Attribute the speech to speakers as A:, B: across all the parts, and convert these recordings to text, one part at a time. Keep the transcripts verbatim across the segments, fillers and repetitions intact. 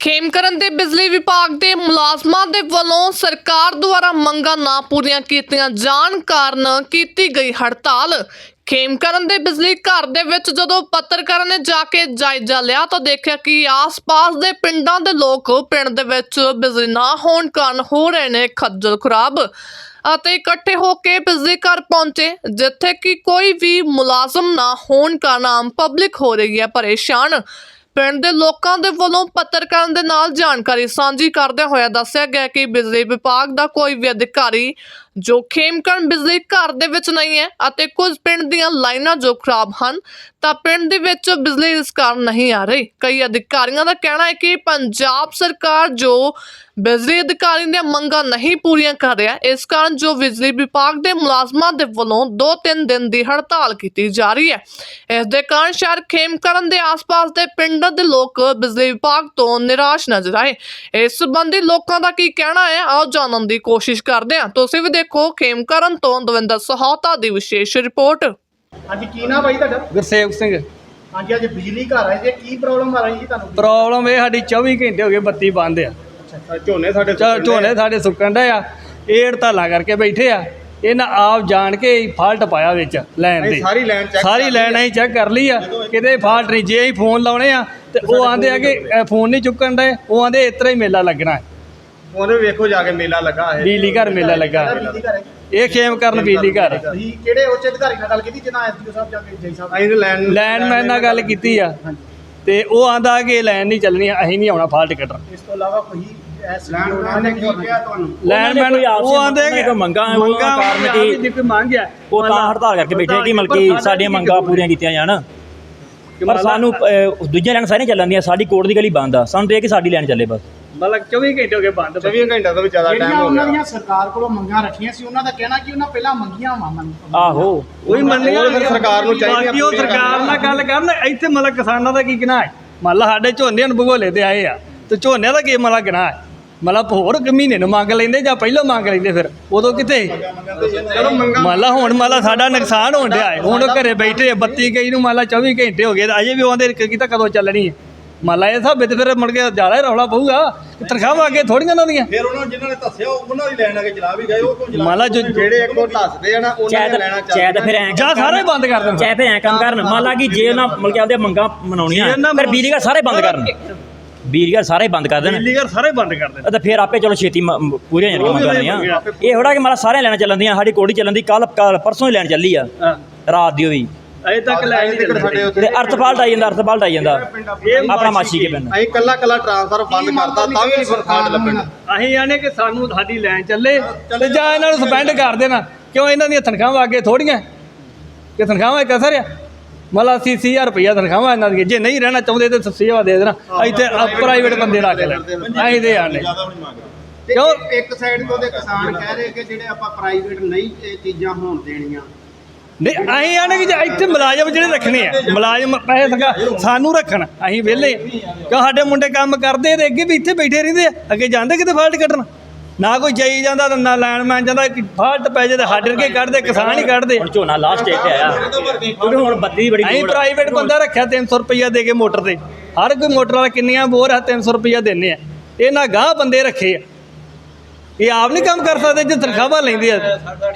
A: ਖੇਮਕਰਨ ਦੇ ਬਿਜਲੀ ਵਿਭਾਗ ਦੇ ਮੁਲਾਜ਼ਮਾਂ ਦੇ ਵੱਲੋਂ ਸਰਕਾਰ ਦੁਆਰਾ ਮੰਗਾਂ ਨਾ ਪੂਰੀਆਂ ਕੀਤੀਆਂ ਜਾਣ ਕਾਰਨ ਕੀਤੀ ਗਈ ਹੜਤਾਲ। ਖੇਮਕਰਨ ਦੇ ਬਿਜਲੀ ਘਰ ਦੇ ਵਿੱਚ ਜਦੋਂ ਪੱਤਰਕਾਰਾਂ ਨੇ ਜਾ ਕੇ ਜਾਇਜ਼ਾ ਲਿਆ ਤਾਂ ਦੇਖਿਆ ਕਿ ਆਸ-ਪਾਸ ਦੇ ਪਿੰਡਾਂ ਦੇ ਲੋਕ ਪਿੰਡ ਦੇ ਵਿੱਚ ਬਿਜਲੀ ਨਾ ਹੋਣ ਕਾਰਨ ਹੋ ਰਹੇ ਨੇ ਖੱਜਲ ਖੁਰਾਬ ਅਤੇ ਇਕੱਠੇ ਹੋ ਕੇ ਬਿਜਲੀ ਘਰ ਪਹੁੰਚੇ, ਜਿੱਥੇ ਕਿ ਕੋਈ ਵੀ ਮੁਲਾਜ਼ਮ ਨਾ ਹੋਣ ਕਾਰਨ ਆਮ ਪਬਲਿਕ ਹੋ ਰਹੀ ਹੈ ਪਰੇਸ਼ਾਨ। ਪਿੰਡ ਦੇ ਲੋਕਾਂ ਦੇ ਵੱਲੋਂ ਪੱਤਰਕਾਰਾਂ ਦੇ ਨਾਲ ਜਾਣਕਾਰੀ ਸਾਂਝੀ ਕਰਦਿਆਂ ਹੋਇਆ ਦੱਸਿਆ ਗਿਆ ਕਿ ਬਿਜਲੀ ਵਿਭਾਗ ਦਾ ਕੋਈ ਵੀ ਅਧਿਕਾਰੀ ਜੋ ਖੇਮਕਰਨ ਬਿਜਲੀ ਘਰ ਦੇ ਵਿੱਚ ਨਹੀਂ ਹੈ ਅਤੇ ਕੁਝ ਪਿੰਡ ਦੀਆਂ ਲਾਈਨਾਂ ਜੋ ਖਰਾਬ ਹਨ ਤਾਂ ਪਿੰਡ ਦੇ ਵਿੱਚ ਬਿਜਲੀ ਇਸ ਕਾਰਨ ਨਹੀਂ ਆ ਰਹੀ। ਕਈ ਅਧਿਕਾਰੀਆਂ ਦਾ ਕਹਿਣਾ ਹੈ ਕਿ ਪੰਜਾਬ ਸਰਕਾਰ ਜੋ ਬਿਜਲੀ ਅਧਿਕਾਰੀ ਦੀਆਂ ਮੰਗਾਂ ਨਹੀਂ ਪੂਰੀਆਂ ਕਰ ਰਿਹਾ, ਇਸ ਕਾਰਨ ਜੋ ਬਿਜਲੀ ਵਿਭਾਗ ਦੇ ਮੁਲਾਜ਼ਮਾਂ ਦੇ ਵੱਲੋਂ ਦੋ ਤਿੰਨ ਦਿਨ ਦੀ ਹੜਤਾਲ ਕੀਤੀ ਜਾ ਰਹੀ ਹੈ। ਇਸ ਦੇ ਕਾਰਨ ਸ਼ਹਿਰ ਖੇਮਕਰਨ ਦੇ ਆਸ-ਪਾਸ ਦੇ ਪਿੰਡਾਂ ਦੇ ਲੋਕ ਬਿਜਲੀ ਵਿਭਾਗ ਤੋਂ ਨਿਰਾਸ਼ ਨਜ਼ਰ ਆਏ। ਇਸ ਸੰਬੰਧੀ ਲੋਕਾਂ ਦਾ ਕੀ ਕਹਿਣਾ ਹੈ, ਆਓ ਜਾਣਨ ਦੀ ਕੋਸ਼ਿਸ਼ ਕਰਦੇ ਹਾਂ। ਤੁਸੀਂ ਵੀ ਦੇਖੋ ਖੇਮਕਰਨ ਤੋਂ ਦਵਿੰਦਰ ਸਹੋਤਾ ਦੀ ਵਿਸ਼ੇਸ਼ ਰਿਪੋਰਟ।
B: ਹਾਂਜੀ, ਕੀ ਨਾਮ ਭਾਈ ਤੁਹਾਡਾ?
C: ਗੁਰਸੇਵਕ ਸਿੰਘ।
B: ਹਾਂਜੀ, ਅੱਜ ਬਿਜਲੀ ਘਰ ਆਏ ਜੇ, ਕੀ ਪ੍ਰੋਬਲਮ ਆ ਰਹੀ ਜੀ ਤੁਹਾਨੂੰ?
C: ਪ੍ਰੋਬਲਮ ਇਹ ਸਾਡੀ ਚੌਵੀ ਘੰਟੇ ਹੋ ਗਏ ਬੱਤੀ ਬੰਦ ਆ।
B: ਅੱਛਾ, ਝੋਨੇ ਸਾਡੇ
C: ਚਾ- ਝੋਨੇ ਸਾਡੇ ਸੁੱਕਣ ਡੇ ਆ, ਇਹ ਹੜਤਾਲਾਂ ਕਰਕੇ ਬੈਠੇ ਆ। ਇਹਨਾਂ ਆਪ ਜਾਣ ਕੇ ਫਾਲਟ ਪਾਇਆ ਵਿੱਚ ਲੈਣ ਦੇ,
B: ਸਾਰੀ ਲਾਈਨ ਚੈੱਕ
C: ਸਾਰੀ ਲਾਈਨ ਅਸੀਂ ਚੈੱਕ ਕਰ ਲਈ ਆ, ਕਿਤੇ ਫਾਲਟ ਨਹੀਂ। ਜੇ ਅਸੀਂ ਫੋਨ ਲਾਉਣੇ ਆ ਤੇ ਉਹ ਆਂਦੇ ਆ ਕਿ ਫੋਨ ਨਹੀਂ ਚੁੱਕਣ ਦੇ, ਉਹ ਆਂਦੇ ਇਸ ਤਰ੍ਹਾਂ ਹੀ ਮੇਲਾ ਲੱਗਣਾ ਹੈ।
B: ਉਹਨੇ ਵੇਖੋ ਜਾ ਕੇ ਮੇਲਾ ਲੱਗਾ ਹੈ,
C: ਬਿਜਲੀ ਘਰ ਮੇਲਾ ਲੱਗਾ।
B: ਬਿਜਲੀ ਘਰ ਹੈ।
C: ਇਹ ਖੇਮਕਰਨ ਬਿਜਲੀ ਘਰ।
B: ਤੁਸੀਂ ਕਿਹੜੇ ਉੱਚ ਅਧਿਕਾਰੀ ਨਾਲ ਗੱਲ ਕੀਤੀ ਜਿਹਨਾਂ ਐਸਡੀਓ ਸਾਹਿਬ ਜਾ ਕੇ ਜੈ ਸਾਹਿਬ? ਅਸੀਂ ਲੈਣ
C: ਲੈਂਡਮੈਨ ਨਾਲ ਗੱਲ ਕੀਤੀ ਆ ਤੇ ਉਹ ਆਂਦਾ ਕਿ ਲਾਈਨ ਨਹੀਂ ਚੱਲਣੀ, ਅਸੀਂ ਨਹੀਂ ਆਉਣਾ ਫਾਲਟ ਕੱਢਣ।
B: ਇਸ ਤੋਂ ਇਲਾਵਾ ਕੋਈ ਲੈਂਡਮੈਨ ਨੇ ਕੀ ਕਿਹਾ ਤੁਹਾਨੂੰ?
C: ਲੈਂਡਮੈਨ ਉਹ ਆਂਦੇ ਕਿ
D: ਮੰਗਾਂ ਕਾਰਨ
C: ਕੀ ਕੋਈ ਮੰਗ ਆ,
D: ਉਹ ਤਾਂ ਹੜਤਾਲ ਕਰਕੇ ਬੈਠੇ ਕਿ ਮਲਕੀ ਸਾਡੀਆਂ ਮੰਗਾਂ ਪੂਰੀਆਂ ਕੀਤੀਆਂ ਜਾਣ। ਪਰ ਸਾਨੂੰ ਦੂਜੀਆਂ ਲੈਣ ਸਾਰੀਆਂ ਚੱਲਣ ਦੀਆਂ, ਸਾਡੀ ਕੋਰਟ ਦੀ ਗਲੀ ਬੰਦ ਆ। ਸਾਨੂੰ ਇਹ ਕਿ ਸਾਡੀ ਲੈਣ ਚੱਲੇ ਬਸ।
C: ਮਤਲਬ ਚੌਵੀ ਘੰਟੇ ਹੋ ਗਏ ਬੰਦ।
B: ਚੌਵੀ ਘੰਟਿਆਂ ਤੋਂ ਵੀ ਜ਼ਿਆਦਾ ਟਾਈਮ
E: ਜਿਹੜੀਆਂ
B: ਹੋ
E: ਉਹਨਾਂ
B: ਗਿਆ।
E: ਦੀਆਂ ਸਰਕਾਰ ਕੋਲੋਂ ਮੰਗਾਂ ਰੱਖੀਆਂ ਸੀ, ਉਹਨਾਂ ਦਾ ਕਹਿਣਾ ਕਿ ਉਹਨਾਂ ਪਹਿਲਾਂ ਮੰਗੀਆਂ ਵਾ ਮੰਨ
D: ਆਹੋ
C: ਉਹੀ ਮੰਨੀਆਂ
B: ਉਹ ਫਿਰ ਸਰਕਾਰ ਨੂੰ ਚਾਹੀਦੀਆਂ
C: ਬਾਕੀ ਉਹ ਸਰਕਾਰ ਨਾਲ ਗੱਲ ਕਰਨ। ਇੱਥੇ ਮਤਲਬ ਕਿਸਾਨਾਂ ਦਾ ਕੀ ਗੁਨਾਹ ਹੈ? ਮੰਨ ਲਾ ਸਾਡੇ ਝੋਨੇ ਨੂੰ ਭਗੋਲੇ ਤੇ ਆਏ ਆ ਤੇ ਝੋਨੇ ਦਾ ਕੀ ਮਤਲਬ ਗੁਨਾਹ ਹੈ? ਮਤਲਬ ਹੋਰ ਮਹੀਨੇ ਨੂੰ ਮੰਗ ਲੈਂਦੇ ਜਾਂ ਪਹਿਲਾਂ ਮੰਗ ਲੈਂਦੇ, ਫਿਰ ਉਦੋਂ ਕਿਤੇ?
B: ਚਲੋ ਮੰਗਾਂ
C: ਮੰਨ ਲਾ ਹੁਣ ਮੰਨ ਲਾ ਸਾਡਾ ਨੁਕਸਾਨ ਹੋਣ ਡਿਆ ਹੈ, ਹੁਣ ਉਹ ਘਰੇ ਬੈਠੇ ਬੱਤੀ ਗਈ ਨੂੰ ਮੰਨ ਲਾ ਚੌਵੀ ਘੰਟੇ ਹੋ ਗਏ, ਅਜੇ ਵੀ ਉਹਦੇ ਕੀਤਾ ਕਦੋਂ ਚੱਲਣੀ ਹੈ? ਮੰਨ ਲਾ ਇਹ ਹਿਸਾਬੇ ਤੇ ਫਿਰ ਮੁੜ ਕੇ ਜ਼ਿਆਦਾ ਹੀ ਰੌਲਾ ਪਊਗਾ। ਤਨਖਾਹਾਂ ਅੱਗੇ ਥੋੜੀਆਂ ਉਹਨਾਂ ਦੀਆਂ।
B: ਫਿਰ ਉਹਨਾਂ ਜਿਨ੍ਹਾਂ ਨੇ ਦੱਸਿਆ ਉਹਨਾਂ ਦੀ ਲੈਣ ਆ ਕੇ ਚਲਾ ਵੀ ਗਏ, ਉਹ ਕਿਉਂ ਚਲਾ?
C: ਮੰਨ ਲਾ ਜੋ
B: ਜਿਹੜੇ ਇੱਕੋ ਦੱਸਦੇ ਆ ਨਾ ਉਹਨਾਂ ਨੇ ਲੈਣਾ
D: ਚਾਹੇ ਤਾਂ ਫਿਰ ਐਂ
C: ਜਾਂ ਸਾਰੇ ਬੰਦ ਕਰ ਦੇਣ।
D: ਚਾਹੇ ਫਿਰ ਐਂ ਕੰਮ ਕਰਨ। ਮੰਨ ਲਾ ਕਿ ਜੇ ਉਹਨਾਂ ਮਤਲਬ ਆਪਦੇ ਮੰਗਾਂ ਮਨਾਉਣੀਆਂ ਫਿਰ ਬਿਜਲੀ ਘਰ ਸਾਰੇ ਬੰਦ ਕਰਨ, ਬਿਜਲੀ ਘਰ ਸਾਰੇ ਬੰਦ ਕਰ ਦੇਣ
C: ਬਿਜਲੀ ਘਰ ਸਾਰੇ ਬੰਦ ਕਰ ਦੇਣ
D: ਤਾਂ ਫਿਰ ਆਪੇ ਚਲੋ ਛੇਤੀ ਮ- ਪੂਰੀਆਂ ਜਾਣੀਆਂ ਮੰਗਾਂ ਦੀਆਂ। ਇਹ ਥੋੜਾ ਕਿ ਮਾਰਾ ਸਾਰਿਆਂ ਲੈਣਾ ਚੱਲਣ ਦੀਆਂ। ਸਾਡੀ ਕੋੜੀ ਚੱਲਣ ਦੀ, ਕੱਲ ਕੱਲ ਪਰਸੋਂ ਹੀ ਲੈਣ ਚੱਲੀ ਆ ਰਾਤ ਦੀ। ਉਹ ਵੀ
C: ਅਜੇ ਤੱਕ ਲਾਈਨ ਨਹੀਂ ਚੱਲਦੀ।
B: ਸਾਡੇ ਉੱਤੇ
D: ਤੇ ਅਰਥ ਫਾਲਟ ਆਈ ਜਾਂਦਾ, ਅਰਥ ਫਾਲਟ ਆਈ ਜਾਂਦਾ ਆਪਣਾ ਮਾਛੀ ਕੇ ਪਿੰਡ।
B: ਅਸੀਂ ਕੱਲਾ ਕੱਲਾ ਟ੍ਰਾਂਸਫਰ ਬੰਦ ਕਰਤਾ ਤਾਂ ਵੀ ਨਹੀਂ ਫਰਕਾਟ ਲੱਭਣ।
C: ਅਸੀਂ ਆਨੇ ਕਿ ਸਾਨੂੰ ਸਾਡੀ ਲਾਈਨ ਚੱਲੇ ਤੇ ਜਾਂ ਇਹਨਾਂ ਨੂੰ ਸਪੈਂਡ ਕਰ ਦੇਣਾ। ਕਿਉਂ ਇਹਨਾਂ ਦੀਆਂ ਤਨਖਾਹਾਂ ਅੱਗੇ ਥੋੜੀਆਂ ਕਿ ਤਨਖਾਹਾਂ ਇੱਕ ਅਸਰ ਆ। ਮਤਲਬ ਅੱਸੀ ਅੱਸੀ ਹਜ਼ਾਰ ਰੁਪਈਆ ਤਨਖਾਹਾਂ ਇਹਨਾਂ ਦੀਆਂ। ਜੇ ਨਹੀਂ ਰਹਿਣਾ ਚਾਹੁੰਦੇ ਤਾਂ ਸੇਵਾ ਦੇ ਦੇਣਾ। ਇੱਥੇ ਪ੍ਰਾਈਵੇਟ ਬੰਦੇ ਰੱਖ ਲੈ, ਅਸੀਂ ਦੇ ਆਨੇ
E: ਕਿਉਂ? ਇੱਕ ਸਾਈਡ ਤੋਂ ਦੇ ਕਿਸਾਨ ਕਹਿ ਰਹੇ ਕਿ ਜਿਹੜੇ ਆਪਾਂ ਪ੍ਰਾਈਵੇਟ ਨਹੀਂ ਇਹ ਚੀਜ਼ਾਂ ਹੋਣ ਦੇਣੀਆਂ।
C: ਨਹੀਂ ਅਸੀਂ ਆਨੇ ਕਿ ਜੇ ਇੱਥੇ ਮੁਲਾਜ਼ਮ ਜਿਹੜੇ ਰੱਖਣੇ ਆ, ਮੁਲਾਜ਼ਮ ਪੈਸੇ ਸਰਕਾਰ ਸਾਨੂੰ ਰੱਖਣ, ਅਸੀਂ ਵਿਹਲੇ। ਕਿਉਂ ਸਾਡੇ ਮੁੰਡੇ ਕੰਮ ਕਰਦੇ ਤੇ ਅੱਗੇ ਵੀ ਇੱਥੇ ਬੈਠੇ ਰਹਿੰਦੇ ਆ, ਅੱਗੇ ਜਾਂਦੇ ਕਿਤੇ ਫਾਲਟ ਕੱਢਣ? ਨਾ ਕੋਈ ਜਾਈ ਜਾਂਦਾ ਨਾ ਲੈਂਡਮੈਨ ਜਾਂਦਾ। ਫਾਲਟ ਪੈ ਜੇ ਤਾਂ ਸਾਡੇ ਵਰਗੇ ਕੱਢਦੇ, ਕਿਸਾਨ ਹੀ ਕੱਢਦੇ।
D: ਹੁਣ ਝੋਨਾ ਲਾਸਟ ਸਟੇਜ ਤੇ ਆਇਆ ਕਿਉਂਕਿ ਹੁਣ ਬੱਤੀ ਦੀ ਬੜੀ
C: ਅਸੀਂ
D: ਲੋੜ ਆ।
C: ਪ੍ਰਾਈਵੇਟ ਬੰਦਾ ਰੱਖਿਆ ਤਿੰਨ ਸੌ ਰੁਪਈਆ ਦੇ ਕੇ ਮੋਟਰ ਤੇ। ਹਰ ਕੋਈ ਮੋਟਰ ਵਾਲਾ ਕਿੰਨੀਆਂ ਬੋਰ ਆ, ਤਿੰਨ ਸੌ ਰੁਪਈਆ ਦਿੰਦੇ ਆ। ਇਹਨਾਂ ਗਾਹ ਬੰਦੇ ਰੱਖੇ ਆ, ਇਹ ਆਪ ਨਹੀਂ ਕੰਮ ਕਰ ਸਕਦੇ ਜੇ ਤਨਖਾਹਾਂ ਲੈਂਦੇ ਆ।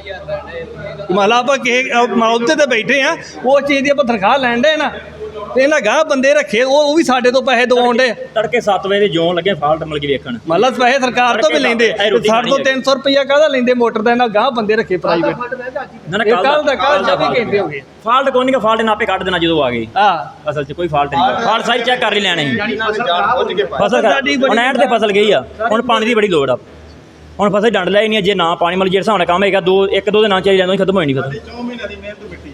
C: ਮੰਨ ਲਾ ਆਪਾਂ ਕਿਸੇ ਮੌਕੇ ਤੇ ਬੈਠੇ ਆ, ਉਸ ਚੀਜ਼ ਦੀ ਆਪਾਂ ਤਨਖਾਹ ਲੈਣ ਦੇ ਨਾ, ਤੇ ਇਹਨਾਂ ਗਾਹ ਬੰਦੇ ਰੱਖੇ, ਉਹ ਉਹ ਵੀ ਸਾਡੇ ਤੋਂ ਪੈਸੇ ਦਵਾਉਣ ਦੇ।
D: ਤੜਕੇ ਸੱਤ ਵਜੇ ਦੇ ਜੋਨ ਲੱਗੇ ਫਾਲਟ ਮਿਲ ਕੇ ਵੇਖਣ।
C: ਮੰਨ ਲਾ ਪੈਸੇ ਸਰਕਾਰ ਤੋਂ ਵੀ ਲੈਂਦੇ, ਸਾਡੇ ਤੋਂ ਤਿੰਨ ਸੌ ਰੁਪਈਆ ਕਾਹਦਾ ਲੈਂਦੇ ਮੋਟਰ ਦਾ? ਇਹਨਾਂ ਗਾਹ ਬੰਦੇ ਰੱਖੇ ਪ੍ਰਾਈਵੇਟ।
D: ਨਾ ਨਾ
C: ਇਹ ਕੱਲ ਦਾ ਕੱਲ ਚੌਵੀ ਘੰਟੇ ਹੋ ਗਏ।
D: ਫਾਲਟ ਕੋਈ ਨਹੀਂ, ਫਾਲਟ ਨਾਪੇ ਕੱਢ ਦੇਣਾ ਜਦੋਂ ਆ ਗਏ।
C: ਹਾਂ
D: ਅਸਲ 'ਚ ਕੋਈ ਫਾਲਟ ਨਹੀਂ, ਫਾਲਟ ਸਾਰੀ ਚੈੱਕ ਕਰ ਹੀ ਲੈਣੇ ਸੀ। ਫਸਲ
C: ਸਾਡੀ ਬੜੀ-
D: ਹੁਣ ਐਂਡ ਤੇ ਫਸਲ ਗਈ ਆ, ਹੁਣ ਪਾਣੀ ਦੀ ਬੜੀ ਲੋੜ ਆ। ਹੁਣ ਫਸਲ ਡੰਡ ਲੈ ਹੀ ਨਹੀਂ। ਜੇ ਨਾ ਪਾਣੀ ਮਤਲਬ ਜਿਹੜਾ ਹਿਸਾਬ ਨਾਲ ਕੰਮ ਹੈਗਾ ਦੋ ਇੱਕ ਦੋ ਦੇ ਨਾਲ ਚਾਹੀਦਾ ਖਤਮ ਹੋਈ ਨਹੀਂ ਫਸਲ।
B: ਚੌ ਮਹੀਨਿਆਂ ਦੀ ਮਿਹਨਤ ਮਿੱਟੀ